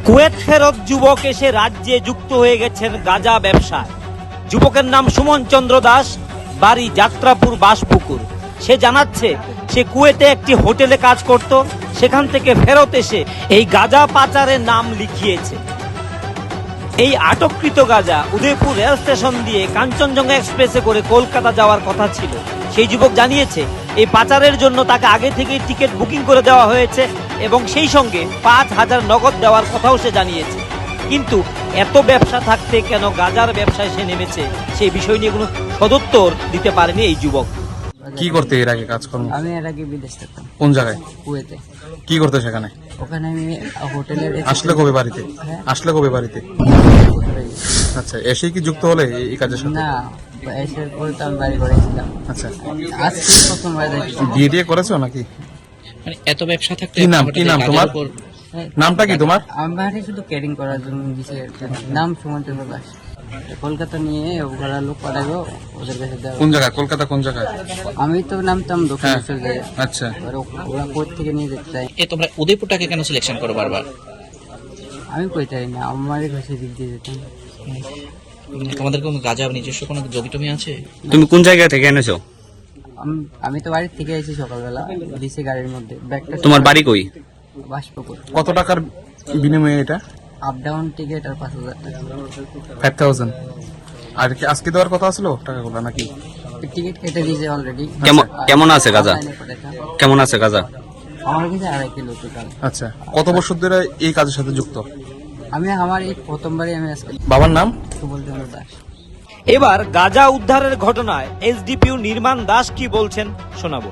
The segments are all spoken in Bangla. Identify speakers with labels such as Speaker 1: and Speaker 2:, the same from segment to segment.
Speaker 1: কুয়েত ফেরত যুবক এসে রাজ্যে যুক্ত হয়ে গেছেন গাঁজা ব্যবসায়। যুবকের নাম সুমন চন্দ্র দাস, বাড়ি যাত্রাপুর বাসপুকুর। সে জানাচ্ছে সে কুয়েতে একটি হোটেলে কাজ করত, সেখান থেকে ফেরত এসে এই গাঁজা পাচারের নাম লিখিয়েছে। এই আটককৃত গাঁজা উদয়পুর রেল স্টেশন দিয়ে কাঞ্চনজঙ্ঘা এক্সপ্রেসে করে কলকাতা যাওয়ার কথা ছিল। সেই যুবক জানিয়েছে এই পাচারের জন্য তাকে আগে থেকেই টিকিট বুকিং করে দেওয়া হয়েছে এবং সেই সঙ্গে 5,000 নগদ দেওয়ার কথাও সে জানিয়েছে। কিন্তু এত ব্যবসা থাকতে কেন গাঁজার ব্যবসায় সে নেমেছে, সেই বিষয় নিয়ে কোনো সদুত্তর দিতে পারেনি এই যুবক।
Speaker 2: কি করতে এর আগে কাজকর্ম?
Speaker 3: আমি এর আগে বিদেশ থাকতাম।
Speaker 2: কোন জায়গায়?
Speaker 3: কুয়েতে।
Speaker 2: কি করতে সেখানে?
Speaker 3: ওখানে আমি হোটেলের
Speaker 2: আসলে কবে বাড়িতে?
Speaker 3: হ্যাঁ।
Speaker 2: আসলে কবে বাড়িতে? আচ্ছা, এসেই কি যুক্ত হলে এই কাজের সাথে?
Speaker 3: না, এসের পরে তো আমি বাড়ি করেছিলাম।
Speaker 2: আচ্ছা,
Speaker 3: আজকে প্রথমবার দেখছি।
Speaker 2: বিয়ে টিয়ে করেছো নাকি?
Speaker 4: মানে এত ব্যবসা থাকতে
Speaker 2: কি নাম তোমার? নামটা কি তোমার?
Speaker 3: আমি বাড়ি শুধু ক্যারিং করার জন্য দিছে। নাম সুমন চন্দ্র দাস। কলকাতা নিয়ে ওরা লোক পাঠাবো ওদের কাছে দেওয়া।
Speaker 2: কোন জায়গায়? কলকাতা কোন জায়গায়?
Speaker 3: আমি তো নামতাম
Speaker 2: হ্যাঁ।
Speaker 3: দক্ষিণেশ্বর জায়গায়।
Speaker 2: আচ্ছা,
Speaker 3: ওরা কোর্ট থেকে নিয়ে যেতে চাই।
Speaker 4: তোমরা উদয়পুরটাকে কেন সিলেকশন করো বারবার?
Speaker 3: আমি কই চাই না, আমার কাছে দিক দিয়ে যেতাম।
Speaker 4: তোমাদের কোনো গাঁজা নিজস্ব কোনো জমি আছে?
Speaker 5: তুমি কোন জায়গা থেকে এনেছো?
Speaker 3: আমি তো বাড়ির থেকে এসেছি সকালবেলা, দিছে গাড়ির মধ্যে ব্যাগটা।
Speaker 5: তোমার বাড়ি কই?
Speaker 3: বাসপুকুর।
Speaker 2: কত টাকার বিনিময়ে এটা?
Speaker 3: আপ ডাউন টিকিট আর 5,000 টাকা।
Speaker 2: 5,000। আর কি আজকে দেওয়ার কথা আসলো টাকাগুলো নাকি?
Speaker 3: টিকিট কেটে দিয়েছে অলরেডি।
Speaker 5: কেমন আছে গাঁজা? কেমন আছে গাঁজা?
Speaker 3: আমার কাছে 2.5 কিলো টোটাল।
Speaker 2: আচ্ছা, কত বছর ধরে এই কাজের সাথে যুক্ত?
Speaker 3: আমার এই প্রথমবারই আমি আজকে।
Speaker 2: বাবার নাম?
Speaker 3: সুবল চন্দ্র দাস।
Speaker 1: এবার গাঁজা উদ্ধারের ঘটনায় এসডিপিও নির্মাণ দাস কি বলছেন শোনাবো।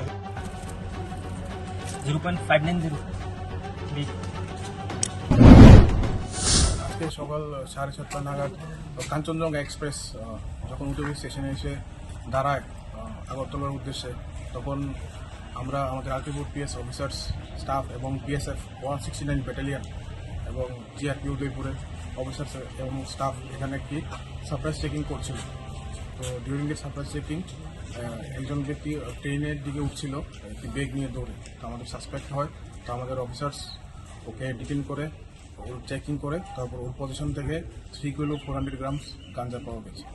Speaker 6: 0.590। আজকে সকাল 7:30 নাগাদ কাঞ্চনজঙ্ঘা এক্সপ্রেস যখন উদয়পুর স্টেশনে এসে দাঁড়ায় আগরতলার উদ্দেশ্যে, তখন আমরা আমাদের আলটিপুর পিএস অফিসার্স স্টাফ এবং পিএসএফ 169 ব্যাটালিয়ন এবং জিআরপি উদয়পুরের অফিসার্স এবং স্টাফ এখানে একটি সারপ্রাইজ চেকিং করছিল। তো ডিউরিং দ্য সারপ্রাইজ চেকিং একজন ব্যক্তি ট্রেনের দিকে উঠছিল একটি ব্যাগ নিয়ে দৌড়ে। তো আমাদের সাসপেক্ট হয়, তো আমাদের অফিসার্স ওকে ডিটেইন করে ওর চেকিং করে তারপর ওর পজিশন থেকে 3 কিলো 400 গ্রামস গাঞ্জা পাওয়া গেছে।